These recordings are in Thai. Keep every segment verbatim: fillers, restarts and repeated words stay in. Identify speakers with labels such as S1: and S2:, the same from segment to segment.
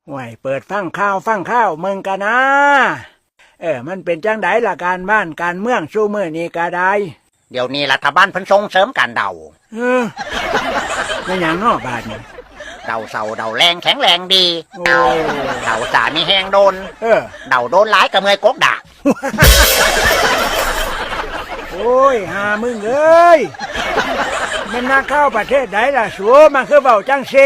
S1: ห่วยเปิดฟังข้าวฟังข้าวมึงกันนะเออมันเป็นจังไดล่ะการบ้านการเมืองสู้มือนี้ก็ได้
S2: เดี๋ยวนี้รัฐบาลเพิ่นส่งเสริมการเดา
S1: เออไม่อย่างนอกบาทนี่
S2: เดาเสาเดาแรงแข็งแรงดีโอ้เดาสามีแหงโดน
S1: เออ
S2: เดาโดนหลายกับเมยกกด่า
S1: โอ้ยหามึงเอ้ยมันน่าเข้าประเทศไหนล่ะสัวมันคือเบาจังเซ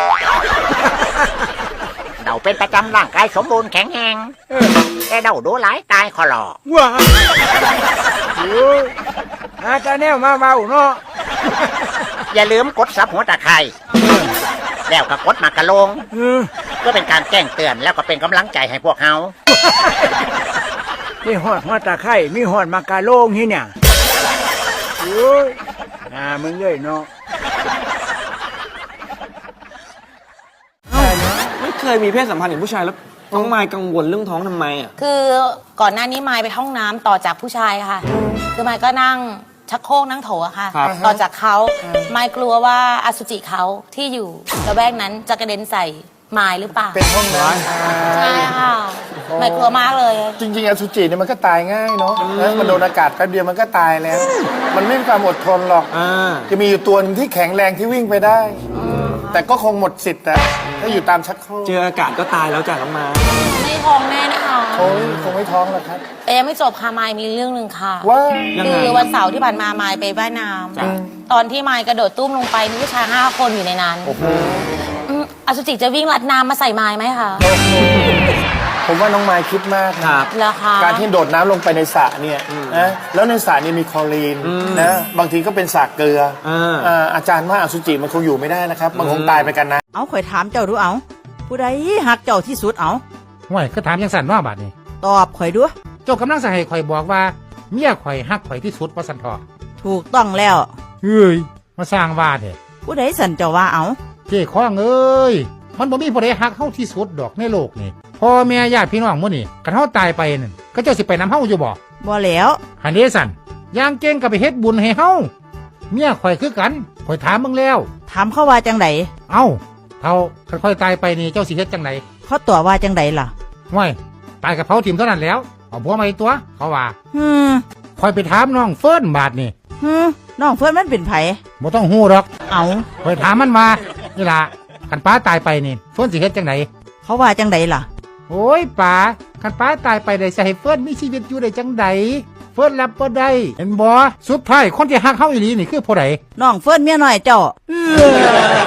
S2: เดาเป็นประจำร่างกายสมบูรณ์แข็งแรงแต่เดาโดนหลายตายคอหลอ
S1: ว้าโอ้ยอาจารย์แนวมาเบาเนาะ
S2: อย่าลืมกดซับหัวตะไคร้แล้วก็กดมากระลงก็เป็นการแจ้งเตือนแล้วก็เป็นกำลังใจให้พวกเฮา
S1: มีหอดหัวตะไคร้มีหอดมากระโลงที่เนี่ยโอ้ยอ่ามึงเลยเนาะ
S3: ไม่เคยมีเพศสัมพันธ์กับผู้ชายแล้วน้องไมค์กังวลเรื่องท้องทำไมอ่ะ
S4: คือก่อนหน้านี้ไมค์ไปห้องน้ำต่อจากผู้ชายค่ะคือไมค์ก็นั่งชักโครกนั่งโถอะค่ะต่อจากเขาไมค์กลัวว่าอสุจิเขาที่อยู่ระแวกนั้นจะกระเด็นใส่ไมค์หรือเปล่า
S5: เป็นห้องน้ำ
S4: ใช่ค่ะไมค์กลัวมากเลย
S5: จริงๆอสุจิเนี่ยมันก็ตายง่ายเนาะมันโดนอากาศแป๊บเดียวมันก็ตายแล้วมันไม่มีความอดทนหรอกจะมีอยู่ตัวนึงที่แข็งแรงที่วิ่งไปได้แต่ก็คงหมดสิทธิ์แต่ถ้าอยู่ตามชักโครก
S3: เจออากาศก็ตายแล้วจ้ะน้องมา
S4: ไม่ท้องแน่นะคะ
S5: โอ้ยคงไม่ท้องหรอกครับ
S4: แต่ยังไม่จบค่ะไมค์มีเรื่องหนึ่งค่ะ
S5: ว่า
S4: คือวันเสาร์ที่ผ่านมาไมค์ไปว่ายน้ำตอนที่ไมค์กระโดดตุ้มลงไปมีผู้ชายห้าคนอยู่ในนั้นอสุจิจะวิ่งลัดน้ำมาใส่ไมค์ไหมคะ
S5: ผมว่าน้องไมค์คิดมาก
S3: ครับ
S5: การที่โดดน้ำลงไปในสระเนี่ยนะแล้วในสระนี่มีคลอรีนนะบางทีก็เป็นสระเกลืออาจารย์ว่าอสุจิมันคงอยู่ไม่ได้นะครับมันคงตายไปกันนะ
S6: เอาข่อยถามเจ้าดูเอาผู้ใดหักเจ้าที่สุดเอา
S7: ห่วยก็ถามยังสั่นว่าบาดนี้
S6: ตอบข่อยดู
S7: เจ้ากำลังจะให้ข่อยบอกว่าเมียข่อยหักข่อยที่สุดว่าสันทอ
S6: ถูกต้องแล้ว
S7: เฮ้ยมาสร้างว่าเถอะ
S6: ผู้ใดสั่นเจ้าว่าเอา
S7: เจ้ข้องเอ้ยมันบ่มีผู้ใดหักเฮาที่สุดดอกในโลกนี่พ่อแม่ญาติพี่น้องมื้อนี่กันเฮาตายไปนั่นก็เจ้าสิไปนำเฮาอยู่บ่
S6: บ่แล้ว
S7: หันเด้สั่นย่างเก่งก็ไปเฮ็ดบุญให้เฮาเมียข่อยคือกันข่อยถามมึงแล้ว
S6: ถามเขาว่าจังได
S7: เอ้าเฮาคันข่อยตายไปนี่เจ้าสิเฮ็ดจังได
S6: เขาตอบว่าจังไดล่ะ
S7: ห่วยตายกับเผาถิ่มเท่านั้นแล้วเอาผัวมาอีกตัวเขาว่า
S6: ฮึ
S7: ข่อยไปถามน้องเฟิร์นบาดนี่
S6: ฮึน้องเฟิร์นมันเป็นไผ
S7: บ่ต้องฮู้ดอก
S6: เอา
S7: ข่อยถามมันมานี่ล่ะคันป้าตายไปนี่เฟิร์นสิเฮ็ดจังได
S6: เขาว่าจังไดล่ะ
S7: โอ้ยป๋าคันป้าตายไปได้สิให้เฟิร์นมีชีวิตอยู่ได้จังไดเฟิร์นรับบ่ได้เห็นบ่สุดท้ายคนที่ฮักเฮาอีหลีนี่คือผู้ใด
S6: น้องเฟิร์นเมียน้อยเจ้า